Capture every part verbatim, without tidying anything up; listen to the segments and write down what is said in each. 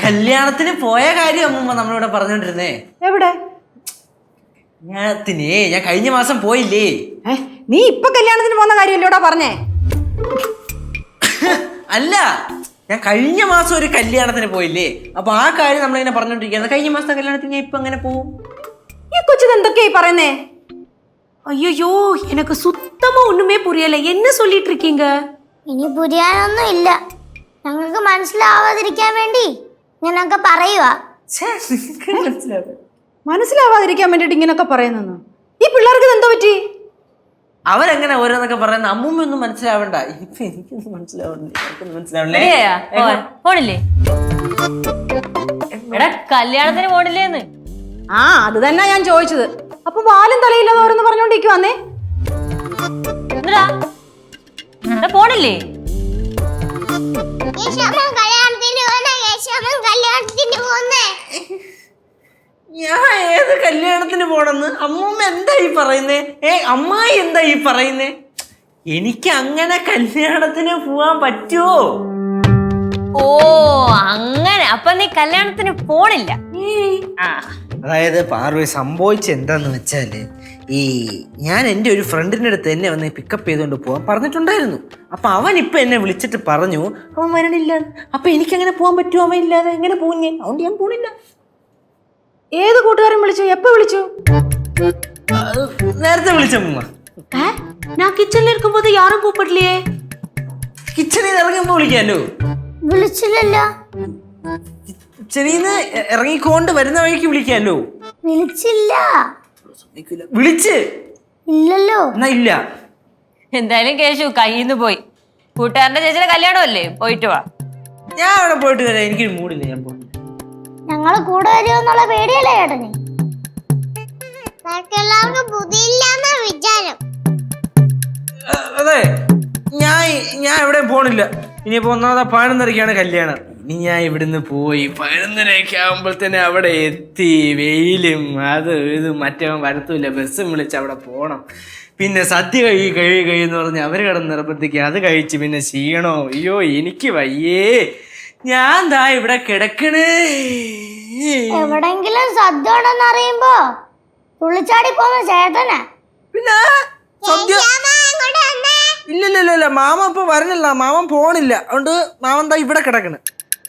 കല്യാണത്തിന് പോയ കാര്യം അമ്മൂമ്മ നമ്മളിവിടെ പറഞ്ഞോണ്ടിരുന്നേ. എവിടെ? കല്യാണത്തിനേ ഞാൻ കഴിഞ്ഞ മാസം പോയില്ലേ. നീ ഇപ്പൊ കല്യാണത്തിന് പോകുന്ന കാര്യമല്ലോടാ പറഞ്ഞേ? അല്ല, ഞാൻ കഴിഞ്ഞ മാസം ഒരു കല്യാണത്തിന് പോയില്ലേ, അപ്പൊ ആ കാര്യം നമ്മളിങ്ങനെ പറഞ്ഞോണ്ടിരിക്കുന്നത്. കഴിഞ്ഞ മാസത്തെ കല്യാണത്തിന് ഞാൻ ഇപ്പൊ അങ്ങനെ പോവും. ഈ കൊച്ചിന് എന്തൊക്കെയായി പറയുന്നേ? ஐயோ எனக்கு சுத்தமா ஒண்ணுமே புரியல. என்ன சொல்லிட்டு இருக்கீங்க? ഇനി പുരിയാനൊന്നും ഇല്ല. ഞങ്ങൾക്ക് മനസ്സിലാവാതിരിക്കാൻ വേണ്ടി ഞാനൊക്കെ പറയുവാ. മനസ്സിലാവാതിരിക്കാൻ വേണ്ടിട്ട് ഇങ്ങനൊക്കെ പറയുന്നു. ഈ പിള്ളേർക്ക് എന്തോ പറ്റി? അവരെങ്ങനെ ഓരോന്നൊക്കെ പറയുന്ന അമ്മൂമ്മ ഒന്നും മനസ്സിലാവണ്ട. ഇപ്പൊ എനിക്കൊന്നും മനസ്സിലാവണ്ടേ, എനിക്കൊന്നും മനസ്സിലാവണ്ടേ. പോണില്ലേ? എടാ കല്യാണത്തിന് പോണില്ലേന്ന്. ആ അത് തന്നെ ഞാൻ ചോദിച്ചത്. അപ്പൊ വാലും തലയില്ലാതെ ഓരോന്ന് പറഞ്ഞോണ്ടിരിക്കും വന്നേ. പോണില്ലേ? ഞാൻ ഏത് കല്യാണത്തിന് പോണെന്ന് അമ്മൂമ്മ എന്താ ഈ പറയുന്നേ? ഏ അമ്മായി എന്താ ഈ പറയുന്നേ? എനിക്ക് അങ്ങനെ കല്യാണത്തിന് പോവാൻ പറ്റുമോ? ഓ അങ്ങനെ. അപ്പൊ നീ കല്യാണത്തിന് പോണില്ല? അതായത് പാർവതി സംഭവിച്ച എന്താന്ന് വെച്ചാല്, ഈ ഞാൻ എൻ്റെ ഒരു ഫ്രണ്ടിൻ്റെ അടുത്ത് എന്നെ വന്ന് പിക്കപ്പ് ചെയ്തുകൊണ്ട് പോകാൻ പറഞ്ഞിട്ടുണ്ടായിരുന്നു. അപ്പൊ അവൻ ഇപ്പൊ എന്നെ വിളിച്ചിട്ട് പറഞ്ഞു അവൻ വരണില്ല. അപ്പൊ എനിക്കങ്ങനെ പോകാൻ പറ്റുമോ? അവൻ ഇല്ലാതെ എങ്ങനെ പോകും ഞാൻ? അതുകൊണ്ട് ഞാൻ പോണില്ല. ഏത് കൂട്ടുകാരൻ വിളിച്ചു? എപ്പോ വിളിച്ചു? നേരത്തെ വിളിച്ചമ്മ. ഞാൻ കിച്ചണിൽ ഇരിക്കുമ്പോൾ യാരും കൂപ്പിട്ടില്ലേ? കിച്ചണിൽ ഇറങ്ങുമ്പോ വിളിക്കാലോ. വിളിച്ചില്ലല്ലോ. കിച്ചണിന്ന് ഇറങ്ങിക്കൊണ്ട് വരുന്ന വഴിക്ക് വിളിക്കാലോ. വിളിച്ചില്ല. വിളിച്ച് ഇല്ലല്ലോ. എന്നാ ഇല്ല. എന്തായാലും കേശു കയ്യിന്ന് പോയി. കൂട്ടുകാരന്റെ ചേച്ചിയുടെ കല്യാണമല്ലേ, പോയിട്ട് വാ. ഞാൻ അവിടെ പോയിട്ട് വരാം. എനിക്കൊരു മൂടില്ല, ഞാൻ പോണില്ല. ഞങ്ങള് കൂടെ വരുമെന്നുള്ള പേടിയല്ലേ ചേട്ടന്? വിചാരം. അതെ, ഞാൻ ഞാൻ എവിടെ പോണില്ല. ഇനിയിപ്പോ ഒന്നാമത് പതിനൊന്നരക്കാണ് കല്യാണം. ഇനി ഞാൻ ഇവിടുന്ന് പോയി പതിനൊന്നരയൊക്കെ ആകുമ്പോഴത്തേനെ അവിടെ എത്തി. വെയിലും അത് ഇത് മറ്റവൻ വരത്തൂല്ല. ബസ്സും വിളിച്ച് അവിടെ പോണം. പിന്നെ സദ്യ കഴി കഴി കഴിയെന്ന് പറഞ്ഞ് അവർ കിടന്ന് നിർബന്ധിക്കുക. അത് കഴിച്ച് പിന്നെ ക്ഷീണോ. അയ്യോ എനിക്ക് വയ്യേ. ഞാൻ ദാ ഇവിടെ കിടക്കണേ. എവിടെങ്കിലും സദ്യ ഉണ്ടെന്ന് അറിയുമ്പോ തുള്ളിച്ചാടി പോകുന്ന ചേട്ടനാ. പിന്നെ സദ്യ ഇല്ലല്ലല്ല, മാമ ഇപ്പൊ വരണില്ല. മാമൻ പോണില്ല. അതുകൊണ്ട് മാമൻ ദാ ഇവിടെ കിടക്കണ്.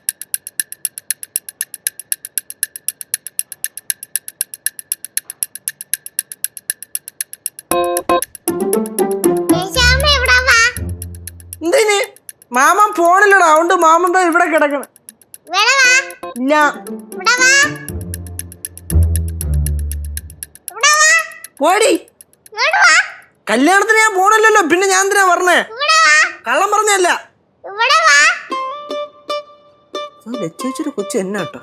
എന്തിന്? മാമൻ പോണില്ലടാ. അതുകൊണ്ട് മാമൻ ദാ ഇവിടെ കിടക്കണ്. ഇല്ല പോടി. കല്യാണത്തിന് ഞാൻ പോണില്ലല്ലോ. പിന്നെ ഞാൻ എന്തിനാ പറഞ്ഞേ? കള്ളം പറഞ്ഞല്ല. ലച്ചേച്ചിയുടെ കൊച്ചു എന്നാ കേട്ടോ.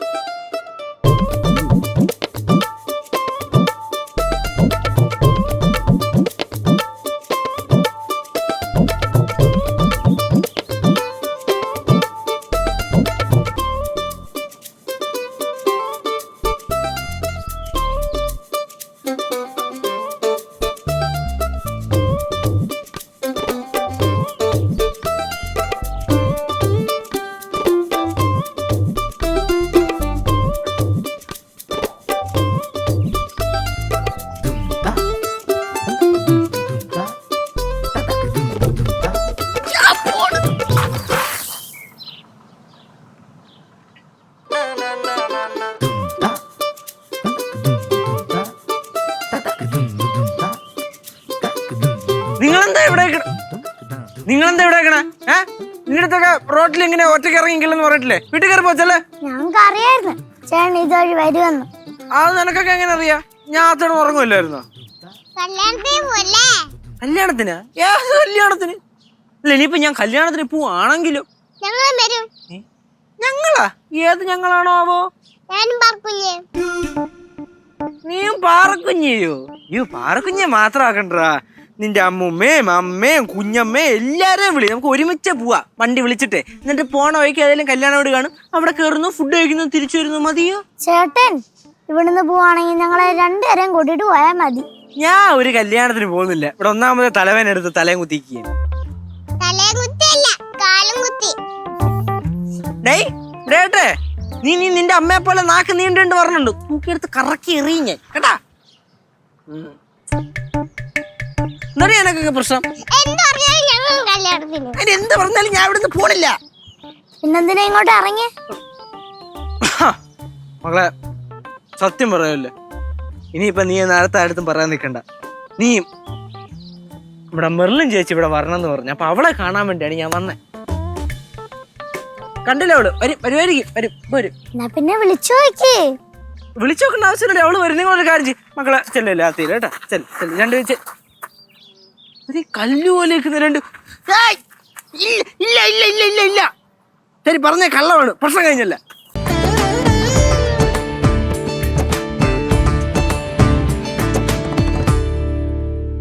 നിങ്ങളെന്താ ഇവിടെ നിങ്ങളെന്താ ഇവിടെ ഏ നിങ്ങളടുത്തൊക്കെ റോട്ടിൽ ഇങ്ങനെ ഒറ്റയ്ക്ക് ഇറങ്ങിക്കില്ലെന്ന് പറഞ്ഞിട്ടില്ലേ? വീട്ടിൽ കയറി പോച്ചല്ലേ? ഞങ്ങൾക്ക് അറിയായിരുന്നു ചേട്ടൻ ഇതുവഴി വരുമെന്ന്. അത് നിനക്കൊക്കെ എങ്ങനെ അറിയാ? ഞാൻ അത്തോടെ ഉറങ്ങുമല്ലായിരുന്നോ? കല്യാണത്തിന്? ഏത് കല്യാണത്തിന്? അല്ല ഇനിയിപ്പോ ഞാൻ കല്യാണത്തിന് പോവാണെങ്കിലോ? ഞങ്ങളാ? ഏത് ഞങ്ങളാണോ ആവോ? നീയും പാറക്കുഞ്ഞയോ? അയ്യോ പാറക്കുഞ്ഞെ മാത്രം ആക്കണ്ടാ. നിന്റെ അമ്മൂമ്മയും അമ്മയും കുഞ്ഞമ്മയും എല്ലാരെയും വിളി. നമുക്ക് ഒരുമിച്ച് പോവാ വണ്ടി വിളിച്ചിട്ടേ. എന്നിട്ട് പോണ വഴിക്ക് ഏതെങ്കിലും കല്യാണം വീട് കാണും. അവിടെ കയറുന്നു, ഫുഡ് കഴിക്കുന്നു, തിരിച്ചു വരുന്നു. മതിയോ? ചേട്ടൻ ഇവിടുന്ന് പോവാണെങ്കിൽ ഞങ്ങളെ രണ്ടുപേരെയും കൂട്ടിട്ട് പോയാൽ മതി. ഞാൻ ഒരു കല്യാണത്തിന് പോകുന്നില്ല. ഇവിടെ ഒന്നാമത് തലവേന എടുത്ത് തലയും കുത്തിക്കുക. നീ നീ നിന്റെ അമ്മയെ പോലെ നാക്ക് നീണ്ടുണ്ട് പറഞ്ഞുണ്ട് തൂക്കിയെടുത്ത് കറക്കി എറിയും ഞാൻ കേട്ടാ. എന്താ എനക്കൊക്കെ പ്രശ്നം? അതിന് എന്ത് പറഞ്ഞാലും ഞാൻ ഇവിടുന്ന് പോണില്ല. പിന്നെന്തിനാ ഇങ്ങോട്ട് ഇറങ്ങി? മകളെ സത്യം പറയല്ലേ, ഇനിയിപ്പൊ നീ നേരത്തെ അടുത്തും പറയാൻ നിൽക്കണ്ട. നീ ഇവിടെ മെർലിൻ ചേച്ചി ഇവിടെ വരണം എന്ന് പറഞ്ഞു. അപ്പൊ അവളെ കാണാൻ വേണ്ടിയാണ് ഞാൻ വന്നേ. കണ്ടില്ല അവള് വരും വരുമായിരിക്കും വരും വരും. എന്നാ പിന്നെ വിളിച്ചു നോക്കി. വിളിച്ചു നോക്കേണ്ട ആവശ്യമില്ല, അവള് വരും. നിങ്ങളൊരു കാര്യം ചെയ്യും മക്കളെ, ചെല്ലല്ലേ ആ തീരെ കേട്ടാ. ചെല് ചെല് രണ്ട് വെച്ച് ഒരു കല്ലു പോലെ നിൽക്കുന്ന രണ്ട്. ഏയ്! ഇല്ല ഇല്ല ഇല്ല ഇല്ല ഇല്ല ഇല്ല ശരി പറഞ്ഞേ, കള്ളമാണ്, പ്രശ്നം കഴിഞ്ഞല്ല.